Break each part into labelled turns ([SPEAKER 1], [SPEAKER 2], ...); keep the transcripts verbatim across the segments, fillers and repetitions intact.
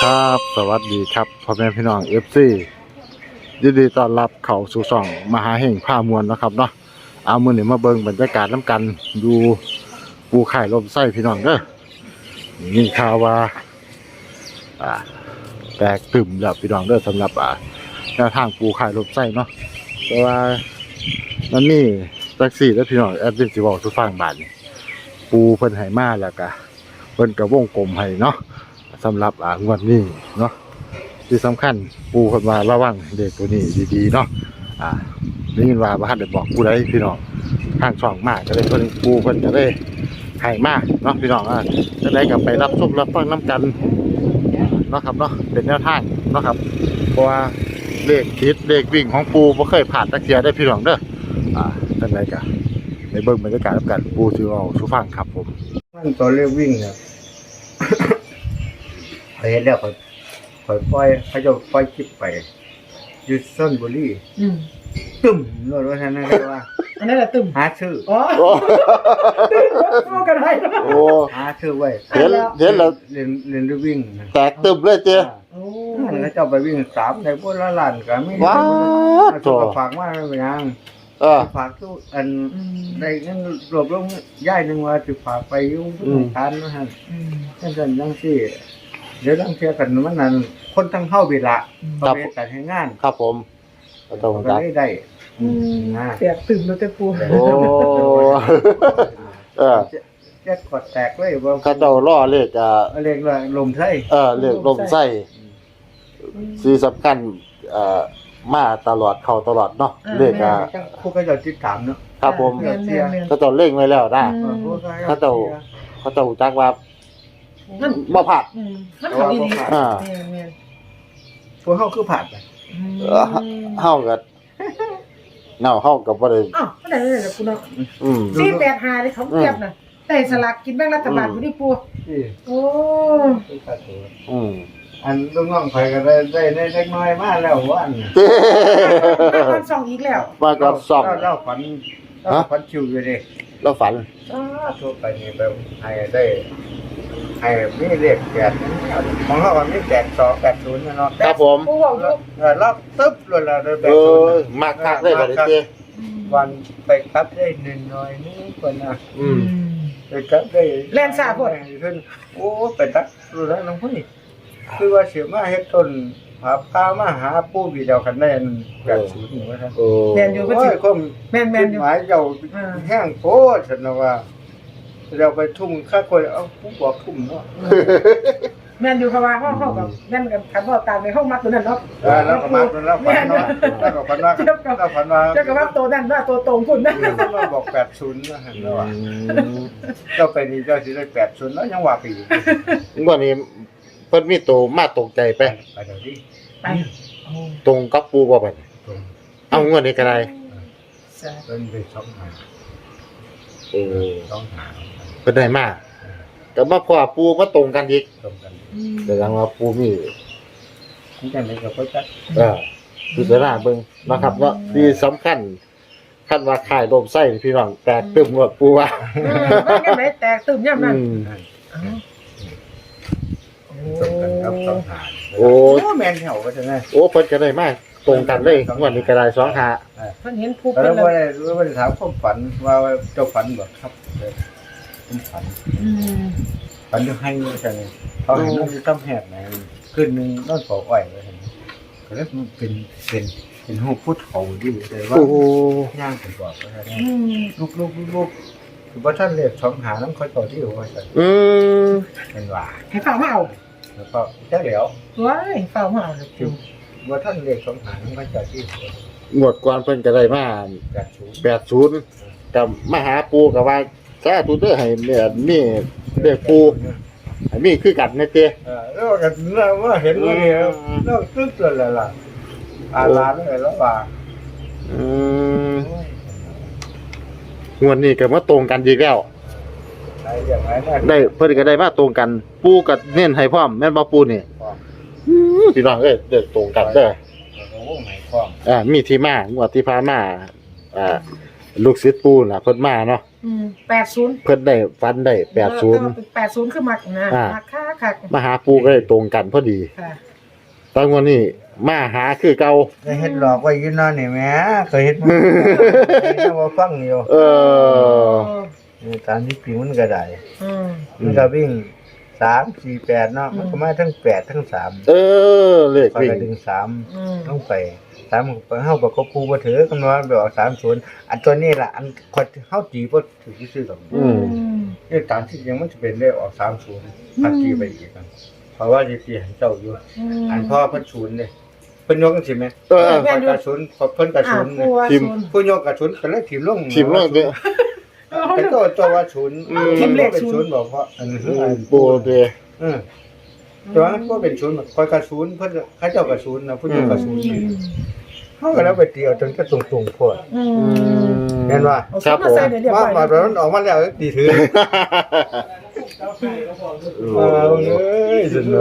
[SPEAKER 1] ครับสวัสดีครับพ่อแม่พี่น้องเอฟซียินดีต้อนรับเข้าสู่ช่องมหาแห่งผ้ามวลนะครับเนาะเอามือหนึ่งมาเบิ่งบรรยากาศน้ำกันดูปูไข่ลมไส้พี่น้องเด้อนี่ข่าวว่าอ่าแตกตึมแล้วพี่น้องเด้อสำหรับอ่าแนวทางปูไข่ลมไส้เนาะแต่ว่ามันมีแท็กซี่แล้วพี่น้องแอดมินสิบอกทุกฟังบาทนี่ปูเพิ่นให้มาแล้วก็เพิ่นก็วงกลมให้เนาะสำหรับอ่างวดนี้เนาะที่สำคัญปูคนมาระวังเด็กตัวนี้ดีๆเนาะอ่าได้ยินว่าบ้านได้บอกผู้ใดพี่น้องข้างช่องมากก็เลยเพิ่นปูเพิ่นจะได้ให้มากเนาะพี่น้องอ่ะจะได้กลับไปรับชมรับฟังน้ำกันเนาะครับเนาะเป็นแนวทางเนาะครับเพราะว่าเลขคิดเลขวิ่งของปูบ่เคยผ่านตะเกียได้พี่น้องเด้ออ่าจังไดก็ในเบิ่งบรรยากาศรับกันปูสิเอาสู่ฟังครับผม
[SPEAKER 2] มันตัวเลขวิ่งเนี่ยไปเห็นแล้วเขาเขาปล่อยเขาจะปล่อยคลิปไปอยูซ่อนบุรีตึ้มรถรถท่านนั่นเรียกว่า
[SPEAKER 3] อันนั้นแหละตึ้ม
[SPEAKER 2] หาชื่อ
[SPEAKER 3] อ๋อตึ้มกันได้
[SPEAKER 1] โอ้
[SPEAKER 2] หาชื่อไว้
[SPEAKER 1] เห็นเห็นแล้ว
[SPEAKER 2] เรียนเรียนด้วยวิ่ง
[SPEAKER 1] แตกตึมเลยเจ้
[SPEAKER 3] โอ้
[SPEAKER 2] แล้วเจ้าไปวิ่งสามในพวกละล้านก็ไม่
[SPEAKER 1] ว้าว
[SPEAKER 2] ตัวฝากมาเป็นยัง
[SPEAKER 1] เออ
[SPEAKER 2] ฝากตู้อันในงั้นรวบรวมย่ายหนึ่งว่าจะฝากไปยุ่งทุกทานนะฮะนั่นนั่นยังสิเดี๋ยวต้องเชื่อกันมันนั่นคนทั้งเข้าเวลาเขาไปแต่ให้งาน
[SPEAKER 1] ครับผมก็ต้อง
[SPEAKER 2] ได้ได้
[SPEAKER 3] แตกตึ้มแล้วแต่ปู
[SPEAKER 1] โอ้เออ
[SPEAKER 2] แจ็คกดแตกเลยว่า
[SPEAKER 1] เขาเจ้าล่อเลขอ่ะ
[SPEAKER 2] เลขเลยลมไส้
[SPEAKER 1] เออเลขลมไส้สีสำคัญเอ่อมาตลอดเข้าตลอดเนาะเลขอ่ะ
[SPEAKER 2] ผู้ก็จะติดตามเนาะ
[SPEAKER 1] ครับผมเขาเจ้าเล่งไว้แล้วนะเขาเจ้าเขาเจ้าจักว่า
[SPEAKER 3] มัน
[SPEAKER 1] บ่ผัด
[SPEAKER 3] มันเขาดีๆอ่า
[SPEAKER 2] พวกเฮาคือผัดไป
[SPEAKER 1] เฮาก็เน่าเฮาก็บ่ได้
[SPEAKER 3] อ้าวบ่ได้เลยล่ะปูเนาะ
[SPEAKER 1] อืม
[SPEAKER 3] สี่แปดห้าเลยเขาเก็บน่ะได้สลากกินแบ่งรัฐบาลบ่ได้ปูโอ้
[SPEAKER 1] อืม
[SPEAKER 2] อันลูกน้องข่อยก็ได้ได้ได้เล็กน้อยมาแล้วว่าอัน
[SPEAKER 3] มาก่อนสองอีกแล้ว
[SPEAKER 1] มาก่อนสอง
[SPEAKER 2] เราฝันเราฝันชิวอยู่ดิ
[SPEAKER 1] เราฝัน
[SPEAKER 2] อ้าทั่วไปนี่แบบให้ได้ให้มีเลขแปดของเราก็มีแปดสอง แปดศูนย์เนาะ
[SPEAKER 1] ครับผม
[SPEAKER 3] ปูเว้าอยู่
[SPEAKER 2] เออรับตึ๊บเลยล่ะได้แปด
[SPEAKER 1] ศู
[SPEAKER 2] นย์
[SPEAKER 1] เออมักคักได้บัดนี้เด้
[SPEAKER 2] วันไปครับได้นิดหน่อยนึงเพิ่นน่ะ
[SPEAKER 1] อืม
[SPEAKER 2] ไปครับได้
[SPEAKER 3] แล่นซ่าพุ่น
[SPEAKER 2] ขึ้นโอ้ไปตักรู้แล้วน้องพุ่นคือว่าเสียมาเฮ็ดต้นหาพามาหาปู่พี่เจ้าคันได้แปดศูนย์ว่าซั่น
[SPEAKER 1] โอ้
[SPEAKER 3] แม่นอยู่ก็สิแม่นๆอยู่
[SPEAKER 2] หมายเจ้าแห้งโพดซั่นน่ะว่าเราไปทุ่มค่าคนเอาผู้บอกทุ่มเนาะ
[SPEAKER 3] แม่นอยู่เพราะว่าเฮาเฮากับแม่นกันคันว่าตามในห้องมักตัวนั้นเนาะ
[SPEAKER 2] เออแล้วก็มักแล้วฝันเนาะแล้วก็ฝันว่าแล้วฝันว่า
[SPEAKER 3] เจ้าก็ว่าตัวนั้นว่าตัวตรงพุ่นนะ
[SPEAKER 2] เราบอกแปดศูนย์ว่าหั่นเนาะเจ้าไปนี่เจ้าสิได้แปดศูนย์แล้วยังว่าปี
[SPEAKER 1] งวดนี้เพิ่นมีโตมาตรงใจไป
[SPEAKER 2] ไปเดี๋ยวนี้
[SPEAKER 3] ไป
[SPEAKER 1] ตรงกับปูบ่บัดเอางวดนี้ก็ได้
[SPEAKER 2] เพิ่นไปช่องหา
[SPEAKER 1] เออ
[SPEAKER 2] ช่องหา
[SPEAKER 1] เพิ่นได้มาแต่มาพอปูมาตรงกันอีก
[SPEAKER 2] ตรงกัน
[SPEAKER 1] แสดงว่าปูมี
[SPEAKER 2] มันจังได๋ก็บ่จัก
[SPEAKER 1] เออพิจารณาเบิ่งนะครับว่าที่สำคัญคันว่าขายลมไส้พี่น้องแตกตึมหมดปูว่า
[SPEAKER 3] เออมันจังได๋แตกตึมยามนั้น
[SPEAKER 2] ตรงกันครับสองหา
[SPEAKER 1] โอ้
[SPEAKER 2] แม่นแถวว่าจังได๋
[SPEAKER 1] โอ้เพิ่นก็ได้มาตรงกันเลยงวดนี้ก็ได้สองหา
[SPEAKER 3] เพิ่นเห็นผู้
[SPEAKER 2] เพิ่นเลยแล้วบ่ได้ถามความฝันว่าเจ้าฝันบ่ครับผมฝันอืมฝันอยู่ให้จังได๋เขาให้นอนอยู่ตำแหกไหนคืนนึงนอนเฝ้าอ้อยว่าซั่นก็เลยเป็นเป็นเป็นรูปผู้เฒ่าอยู่แต่ว่า
[SPEAKER 1] โอ้โห
[SPEAKER 2] ย่างเป็นบอกว่าซั่นอืมลูกๆๆคือบ่ทันเลขสองหานำเขาต่อที่ว่าซั่น
[SPEAKER 1] อืม
[SPEAKER 2] เป็นว่า
[SPEAKER 3] ให้ฟังมาเอา
[SPEAKER 2] แล้วก็จักแล้ว
[SPEAKER 3] ว้ายฟังมาเอา
[SPEAKER 2] คือบ่ทันเลขสองหานำเขาต่อที่
[SPEAKER 1] งวดก่อนเพิ่นก็ได้มาแปดศูนย์กับมาหาปูก็ว่าสาธุเด้อให้แม่มีเลขปูให้มีคือกันแน่เต้
[SPEAKER 2] เออแล้วก็ว่าเห็นว่าเนี่ยแล้วตึกเลยล่ะอาลาเลยแล้วว่า
[SPEAKER 1] อืมงวดนี้ก็มาตรงกันอีกแล้ว
[SPEAKER 2] ได้อย่างไร
[SPEAKER 1] ได้เพิ่นก็ได้มาตรงกันปูก็เน้นให้พร้อมแม่นบ่ปูนี่พี่น้องเอ้ยเด้อตรงกันเด้อ
[SPEAKER 2] โอ้ไหนพร้อม
[SPEAKER 1] อ่ามีที่มางวดที่ผ่านมาอ่าลูกศิษย์ปู่น่ะเพิ่นมาเนาะ
[SPEAKER 3] อืมแปดศูนย์
[SPEAKER 1] เพิ่นได้ฟันได้แปดศูนย์
[SPEAKER 3] แปดศูนย์คือมักนะ
[SPEAKER 1] อ่า
[SPEAKER 3] มักค่าคัก
[SPEAKER 1] มาหาปู่ก็ได้ตรงกันพอดี
[SPEAKER 3] ค่ะ
[SPEAKER 1] ตอนวันนี้มาหาคือเก่า
[SPEAKER 2] ก็เฮ็ดหลอกไว้อยู่เนั่นนี่แหม่เคยเฮ็ดมาเคยเฮ็ดมาฟังอยู่
[SPEAKER 1] เออ
[SPEAKER 2] นี่ตามที่จริงมันก็ได้
[SPEAKER 3] อืม
[SPEAKER 2] มันก็วิ่งสาม สี่ แปดเนาะมันก็มาทั้งแปดทั้งสาม
[SPEAKER 1] เออเลข
[SPEAKER 2] ก็
[SPEAKER 1] วิ่ง
[SPEAKER 2] ดึงสาม
[SPEAKER 3] อืม
[SPEAKER 2] ลงไปสามไปเฮาบ่ก็ปูบ่ถือกำนวนไปออกสามศูนย์อันตัวนี้ล่ะอันคนเฮาจีบ่ถือซื่อๆดอก
[SPEAKER 1] อืม
[SPEAKER 2] เลขตามที่จริงมันจะเป็นเลขออกสามศูนย์พันจีไปอีกกันเพราะว่าสิตีให้เจ้าอยู่ อันพ่อเพิ่นศูนย์เด้เพิ่นยกจังซี่แม่
[SPEAKER 1] เออ
[SPEAKER 2] เพิ่นกระศูนย์เพิ่นกระ
[SPEAKER 3] อ่า
[SPEAKER 2] ศูนย์
[SPEAKER 3] ปูว่า
[SPEAKER 1] ทีม
[SPEAKER 3] ศูนย์
[SPEAKER 2] ผู้ยกกระศูนย์ก็เลยถิ่มลง
[SPEAKER 1] ทีมเราเนี่ย
[SPEAKER 2] เป็นตัวตัวว่าศูนย์
[SPEAKER 1] อืม
[SPEAKER 2] ทีมเลขเป็นศูนย์บอกเพราะอันนี้คืออัน
[SPEAKER 1] ปู่เด้อ
[SPEAKER 2] เออแต่ว่าก็เป็นศูนย์คอยกระศูนย์เพิ่นเขาเจ้ากระศูนย์นะผู้ยกกระศูนย์เฮาก็แล้วไปตีเอาจนก็ตรงๆโพด
[SPEAKER 3] อืม
[SPEAKER 2] เห็นว่า
[SPEAKER 3] เอา
[SPEAKER 1] ครับ
[SPEAKER 3] มา
[SPEAKER 1] ผม
[SPEAKER 3] ใส่เดี๋ยวเดี๋ยว
[SPEAKER 2] ว่า
[SPEAKER 3] ไป
[SPEAKER 2] มาตอนนั้นออกมาแล้วดีถือเอาเอ้ยสุดเลย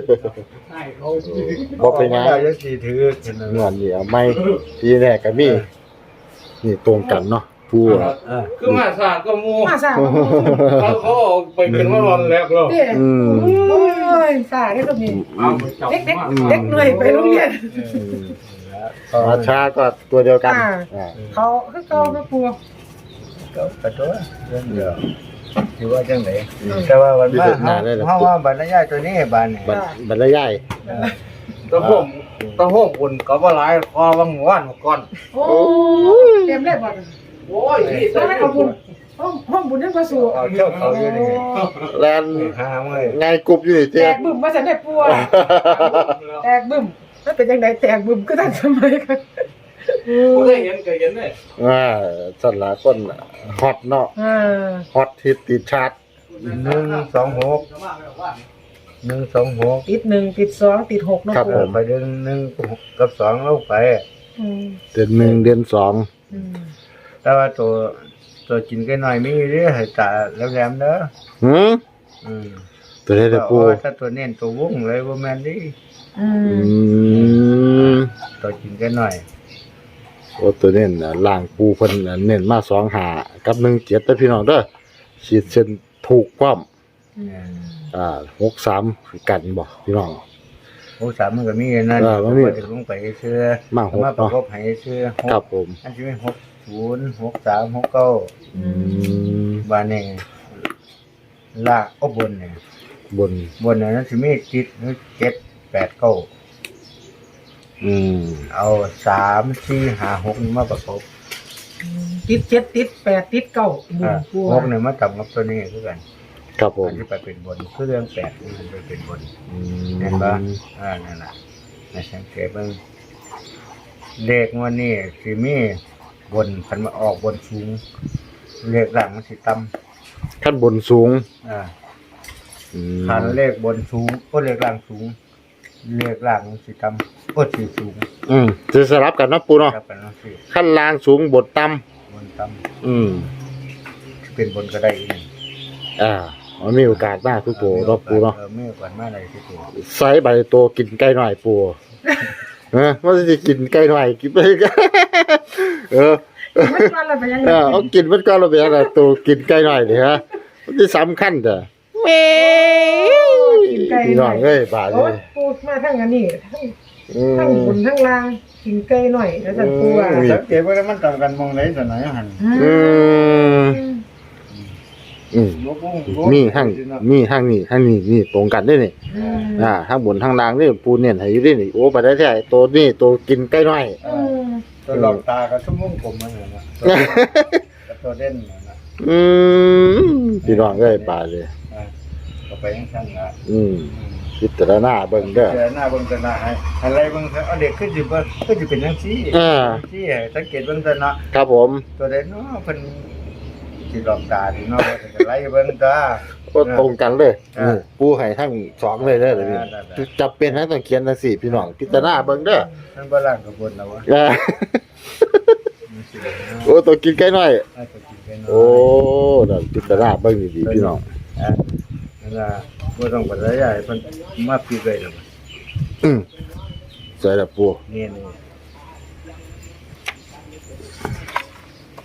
[SPEAKER 1] บ่เป็นหยัง
[SPEAKER 2] ออกมาแล้วยังดีถือเห็น
[SPEAKER 1] ง
[SPEAKER 2] ว่า
[SPEAKER 1] อนนี่เอาไม่ทีแรกก็มีนี่ตรงกันเนาะปู่อะ
[SPEAKER 2] เออ
[SPEAKER 4] คือมาสาก็มู
[SPEAKER 3] มาสา
[SPEAKER 4] เขาเขาเอาไปเป็นวันวันแรกแล้ว
[SPEAKER 3] เด็ก
[SPEAKER 1] อืม
[SPEAKER 3] โอ้ยสาได้ตรงนี้
[SPEAKER 4] เอาไปจับ
[SPEAKER 3] เด็กเด็ก
[SPEAKER 4] มา
[SPEAKER 3] เด็กหน่วยไปโรงเรียน
[SPEAKER 1] มาช้าก็ตัวเดียวกัน
[SPEAKER 3] อ่า
[SPEAKER 1] อ่า
[SPEAKER 3] เขาคือเขาไม่กลัว
[SPEAKER 2] ก็กระโดดเรื่องเดียวถือว่าจังได๋แต่ว่าวันมาเฮาเฮาว่าบรรยายตัวนี้บานนี่
[SPEAKER 1] บัดบัดละยาย
[SPEAKER 4] ตะโฮมตะโฮมคนก็ว่าหลายคอวังว่านก่อน
[SPEAKER 3] โอ้เต็มเลยบ่
[SPEAKER 4] โอ้ยนี่
[SPEAKER 3] ต้องให้เอาบุญห้องห้องบุญยังประสู
[SPEAKER 2] เอาเจ้าเขาอยู่นี่
[SPEAKER 1] แลน
[SPEAKER 2] หาเมื่อย
[SPEAKER 1] ไงกรุบอยู่นี่
[SPEAKER 3] แต
[SPEAKER 1] เจ๊
[SPEAKER 3] กบึ้มมาสันได้ปัวแตกบึ้มมันเป็นยังไงแตกบึ้มก็ทันสมัยกัน
[SPEAKER 4] กูได้เห็นก็เห็นเลย
[SPEAKER 1] อ่าสันหลายคนฮอตเนาะ
[SPEAKER 3] อ่า
[SPEAKER 1] ฮอตฮิตติดชาร์ต
[SPEAKER 2] หนึ่งสองหกหนึ่งสองหก
[SPEAKER 3] ติดหนึ่งติดสองติดหกเนาะ
[SPEAKER 1] ครับ
[SPEAKER 3] ปั
[SPEAKER 1] ผ
[SPEAKER 3] ว
[SPEAKER 1] ม
[SPEAKER 2] ไปเดือนหนึ่งกับสองลงไป
[SPEAKER 3] อืม
[SPEAKER 1] เดือนหนึ่งเดือนสอง
[SPEAKER 3] อืม
[SPEAKER 2] แต่ว่าตัวตัวกินกันหน่อยมีเรื่อยให้ตาแหลมๆเด้อ
[SPEAKER 1] หืม
[SPEAKER 2] อืม
[SPEAKER 1] ตัวได้แต่ปู
[SPEAKER 2] เอาไว้ถ้าตัวเน้นตัววงเลยบ่แม่นดิ
[SPEAKER 3] อื
[SPEAKER 1] อื
[SPEAKER 3] ม
[SPEAKER 1] ม
[SPEAKER 2] ตัวกินกันหน่อย
[SPEAKER 1] โอ้ตัวเน้นน่ะล่างปูเพิ่นน่ะเน้นมาสองหากับหนึ่งเจ็ดแต่พี่น้องเด้อฉีดเส้นถูกความ
[SPEAKER 3] อืม
[SPEAKER 1] อ่าหกสามคือกันบ่พี่น้อง
[SPEAKER 2] โอ้สามมันก็มีอันนั่น
[SPEAKER 1] เออมันมี
[SPEAKER 2] ก็จะลงไปเชื่อ
[SPEAKER 1] มาหก
[SPEAKER 2] มาประ
[SPEAKER 1] เนาะ
[SPEAKER 2] กบให้เชื่อหก
[SPEAKER 1] ครับผม
[SPEAKER 2] อันที่เป็นหกศูนย์หกสามหกเก้า
[SPEAKER 1] อืม
[SPEAKER 2] บานนี่ลากเอาบนเนี่ย
[SPEAKER 1] บน
[SPEAKER 2] บนนั้นสิมีติดเจ็ดแปดเก้า
[SPEAKER 1] อืม
[SPEAKER 2] เอาสามสี่ห้าหกนี่มาประกบ
[SPEAKER 3] ติดเจ็ดติดแปดติดเก้าบุญ
[SPEAKER 2] อ่า
[SPEAKER 3] ปัว
[SPEAKER 2] หกเนี่ยมาจับกับตัวนี้คือกัน
[SPEAKER 1] ครับผม
[SPEAKER 2] อันที่ไปเป็นบนคือเรื่องแปดนี่มันไปเป็นบน
[SPEAKER 1] อื
[SPEAKER 2] เห็นปะ
[SPEAKER 1] ม
[SPEAKER 2] อ่านั่นแหละในสังเกตเบิ่งเลขงวันนี้สิมีบนคันมาออกบนสูงเลขหลังมันสิต่
[SPEAKER 1] ขั้นบนสูง
[SPEAKER 2] ำอ่า
[SPEAKER 1] อืม
[SPEAKER 2] คันเลขบนสูงก็เลขล่างสูง เลขล่างมันสิต่ำก็สิสูง
[SPEAKER 1] อืมจะสลับกันเนาะปูเนาะ
[SPEAKER 2] ครับกันเนาะสิ
[SPEAKER 1] ขั้นล่างสูงบนต่ำ
[SPEAKER 2] บนต่
[SPEAKER 1] อืม
[SPEAKER 2] ำเป็นบนก็ได้อีกหนึ่ง
[SPEAKER 1] อ่ามันมีโอกาสมากทุกตัวเนาะปูเนาะ
[SPEAKER 2] เออไม่กว่ามาอะไรที่ตัว
[SPEAKER 1] ไซส์ใบโตกินไก่หน่อยปูเออว่าจะกินไก่หน่อยกินไปเออ
[SPEAKER 3] ไม่ว่าอะไรไปยังไง
[SPEAKER 1] เออเอากินมันก็ระเบียงอะตัวกินไก่หน่อยนี่ฮะมันจะสำคัญจ้ะแม่
[SPEAKER 3] กินไก่
[SPEAKER 1] พี่น้องเอ้ยบาด
[SPEAKER 3] โอ้
[SPEAKER 1] เลย ย
[SPEAKER 3] ปูมาทั้งอันนี้ทั้ง
[SPEAKER 1] อื
[SPEAKER 3] ทั้งบ
[SPEAKER 1] ม
[SPEAKER 3] นทั้งล่างกินไก่หน่อยแล้วจันปูอ่ะ
[SPEAKER 2] สังเกตว่ามันต่างกันมองไหนตัวไหนหัน
[SPEAKER 1] อืมอืม
[SPEAKER 2] ยกวง
[SPEAKER 1] มีห้างมีห้างนี่ห้างนี่นี่ตรงกันได้นี่
[SPEAKER 3] อืม
[SPEAKER 1] อ่าห้างบนห้างล่างนี่ปูเน่นให้อยู่ได้นี่โอ้ไปได้แท้ตัวนี่ตัวกินไก่น้อย
[SPEAKER 3] อืม
[SPEAKER 2] ตัวหลอกตากับชั่วโมงผมมันเหรอนะกับตัวเด่นเหรอนะ
[SPEAKER 1] อืมพี่น้องเอ้ยบาดเลย
[SPEAKER 2] อ่าก็ไปยังชั้นละ
[SPEAKER 1] อืมพิจารณาเบิ่งเด้อ
[SPEAKER 2] เจอหน้าเบิ่งตาหน้าให้อะไรเบิ่งเถอะเอาเด็กขึ้นสิบ่ขึ้นสิเป็นจังซี่
[SPEAKER 1] อ่า
[SPEAKER 2] ที่ให้สังเกตเบิ่งตาเนาะ
[SPEAKER 1] ครับผม
[SPEAKER 2] ตัวใดเนาะเพิ่นสิหลอกตาดิเนาะก็ไล่เบิ่งตา
[SPEAKER 1] ก็ตรงกันเลย
[SPEAKER 2] อ่า
[SPEAKER 1] นี่ปูให้ทั้งสองเลยเด้อเดี๋ยวนี้
[SPEAKER 2] อ่าได้ได้
[SPEAKER 1] จับเป็นให้ต้องเขียนจังซี่พี่น้องพิจารณาเบิ่งเด้อ
[SPEAKER 2] มันบ่ล่างกับบนแล้ววะ
[SPEAKER 1] อ่า
[SPEAKER 2] มันสิเนาะ
[SPEAKER 1] โอ้ตัวกินไก่น้อย
[SPEAKER 2] อาจจะกินกันเนาะ
[SPEAKER 1] โอ้นั่นพิจารณาเบิ่งดีๆพี่น้อง
[SPEAKER 2] อ่ะนั่นล่ะบ่ต้องปัดระยะให้เพิ่นมาปิดไว้แล้ว
[SPEAKER 1] อืมสวยแล้วปู
[SPEAKER 2] นี่นี่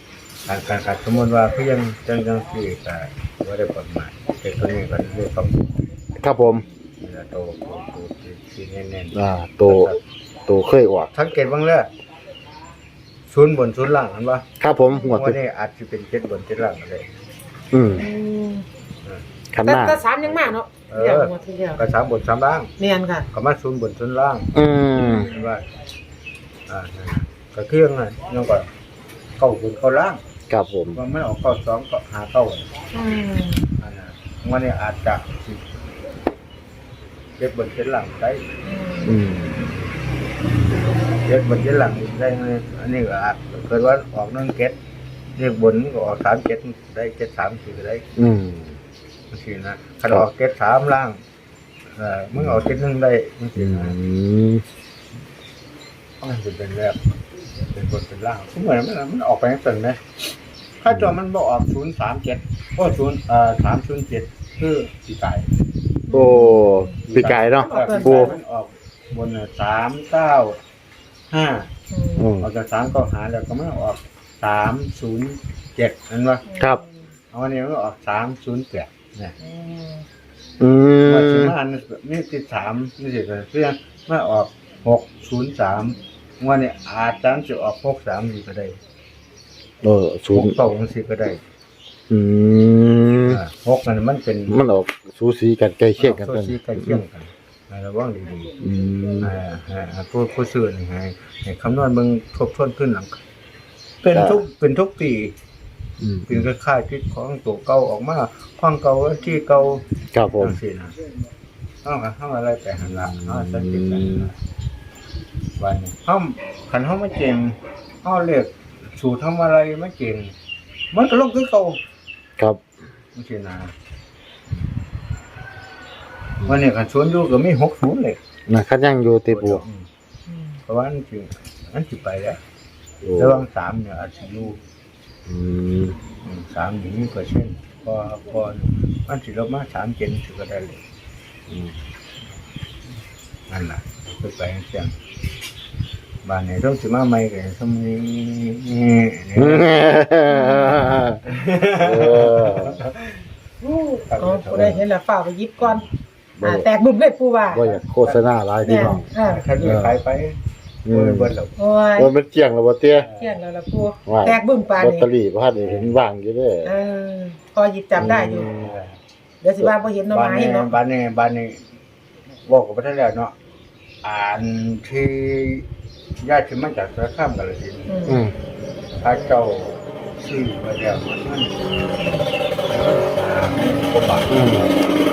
[SPEAKER 2] การการการสมมติว่าเพียงจังจังสี่ก็ว่าได้ผลมาแต่ตัวนี้ก็เรียกความ
[SPEAKER 1] ครับผม
[SPEAKER 2] โตโตโตที่แน่น
[SPEAKER 1] อ่าโตโตเคยออก
[SPEAKER 2] ๆสังเกตบ้างเลยศูนย์บนศูนย์ล่างเห็นปะ
[SPEAKER 1] ครับผมหัว
[SPEAKER 2] ว่า
[SPEAKER 1] ติ
[SPEAKER 2] นี่อาจจะเป็นเจ็ดบนเจ็ดล่างก็ได้
[SPEAKER 1] อืม
[SPEAKER 3] อืม
[SPEAKER 1] คันห
[SPEAKER 3] แต่
[SPEAKER 1] น้า
[SPEAKER 3] แต่สามยังมากเนาะเดี๋ยวหมดทีเดียว
[SPEAKER 2] ก็สามบนสามล่าง
[SPEAKER 3] เนียนค่ะ
[SPEAKER 2] ก็มาศูนย์บนศูนย์ล่าง
[SPEAKER 1] อืม
[SPEAKER 2] เห็นว่าอ่าก็เที่ยงไงยังก็เก้าบนเก้าล่าง
[SPEAKER 1] ครับผม
[SPEAKER 2] ว่ามันออกเก้าสองก็หาเก้า
[SPEAKER 3] อืม
[SPEAKER 2] อันนั้นวันนี้อาจจะเจ็ดบนเจ็ดล่างได้
[SPEAKER 1] อืม
[SPEAKER 2] เจ็ดบนเจ็ดล่างได้ไหมอันนี้ก็อาจเกิดว่าออกนั่งเก็ดเรียกบนก็ออกสามเจ็ดได้เจ็ดสามสี่ก็ได้
[SPEAKER 1] อืม
[SPEAKER 2] บางทีนะถ้าออกเจ็ดสามล่างเออมึงออกเจ็ดหนึ่งได้บางที
[SPEAKER 1] อื
[SPEAKER 2] นะ
[SPEAKER 1] ม
[SPEAKER 2] มันจะเป็นแบบเป็นบนเป็นล่างทุกเหมือนมันมันออกไปทั้งตึงนะถ้าจอมันบอกออกศูนย์สามเจ็ดก็ศูนย์เอ่อสามศูนย์เจ็ดคือสีไก่
[SPEAKER 1] โอ้ปีกายเนาะ
[SPEAKER 2] ปู
[SPEAKER 1] ปู
[SPEAKER 2] มันออกบนสามเก้าห้า
[SPEAKER 1] อืม
[SPEAKER 2] ออกจากสามก็หาแล้วก็ไม่ออกสามศูนย์เจ็ดนั่นวะ
[SPEAKER 1] ครับ
[SPEAKER 2] เอาวันนี้มันออกสามศูนย์แปดเนี่ย
[SPEAKER 3] อืม
[SPEAKER 1] อื
[SPEAKER 2] วันที่
[SPEAKER 1] ม
[SPEAKER 2] มานี่ติดสามนี่สิเพื่อนมาออกหกศูนย์สามวันนี้อาจจะจะออกหกสามสี่ก็ได้
[SPEAKER 1] เออศู
[SPEAKER 2] ห
[SPEAKER 1] น
[SPEAKER 2] ก
[SPEAKER 1] ย์
[SPEAKER 2] สองสี่ก็ได้
[SPEAKER 1] อืม
[SPEAKER 2] อ่าหกนั่นมันเป็น
[SPEAKER 1] มันออกสูสีกันใกล้เคียงกัน
[SPEAKER 2] โซ
[SPEAKER 1] เป็น
[SPEAKER 2] ซีใกล้เคียงกันให้ระวังดี
[SPEAKER 1] อืม
[SPEAKER 2] ๆอ่าอ่าผู้ผู้ซื้อนี่ให้ให้คำนวณเบิ่งทบทวนขึ้นหลัง เป็นทุกเป็นทุกปี
[SPEAKER 1] อืม
[SPEAKER 2] เป็นคล้ายๆที่ของตัวเก่าออกมาของเก่าที่เก่า
[SPEAKER 1] ครับผม
[SPEAKER 2] จังซี่นะเอาค่ะเฮาอะไรไปหันหลังเฮาสังเกตกันนะวันนี้เฮาคันเฮามาเก่งเฮาเรียกสูตรทำอะไรมาเก่งมันก็ลงคือเก่า
[SPEAKER 1] ครับ
[SPEAKER 2] จังซี่นะวันนี้คันสวนอยู่ก็มีหกศูนย์เลย
[SPEAKER 1] นะคันยังอยู่ติปู
[SPEAKER 2] อืมเพราะว่าอันสิอันสิไปแล้ว
[SPEAKER 1] โอ้
[SPEAKER 2] ระหว่างสามเนี่ยอาจสิอยู่
[SPEAKER 1] อืม
[SPEAKER 2] อืมสามอย่างนี้ก็เช่นพอพอมันสิลบมาสามเจนถือก็ได้เลย
[SPEAKER 1] อืม
[SPEAKER 2] นั่นแหละไปไปเสียงบ้านไหนต้องสิมาใหม่กันสมัยนี้
[SPEAKER 1] เออ
[SPEAKER 3] อ๋อผู้ใดเห็นแล้วฝ่ากไปหยิบก่อนอ่าแตกบึ้มเลยปูว่า
[SPEAKER 1] ว่าอยากโฆษณาหลายพี่น้อง
[SPEAKER 3] อ่า
[SPEAKER 2] ถ้าดูขายไป
[SPEAKER 1] อื
[SPEAKER 2] เบิ
[SPEAKER 1] ม
[SPEAKER 2] ดเบิดแล้ว
[SPEAKER 3] โอ้ย
[SPEAKER 1] ว่ามันเที่ยงแล้วบ่เตี้ย
[SPEAKER 3] เที่ยงแล้วล่ะปู
[SPEAKER 1] ว่า
[SPEAKER 3] แตกบึ้มปาน
[SPEAKER 1] ลอต
[SPEAKER 3] นี่
[SPEAKER 1] เตอรี่บ่ทันได้เห็นวางอยู่เด้อ
[SPEAKER 3] เออพอหยิบจำได้อยู่ เดี๋ยวสิว่าบ่เห็นหน้อ
[SPEAKER 2] บ้าน
[SPEAKER 3] ไม้
[SPEAKER 2] นี้
[SPEAKER 3] เนาะ
[SPEAKER 2] บ้านนี้บ้านนี้บอกกับพระท่านแล้วเนาะอ่านที่ญาติมาจากสารคามกาฬสินธุ์
[SPEAKER 3] อืม
[SPEAKER 1] อืม
[SPEAKER 2] พระเจ้าชื่อพระเจ้ามันมันสามกว่าบาท
[SPEAKER 1] อืม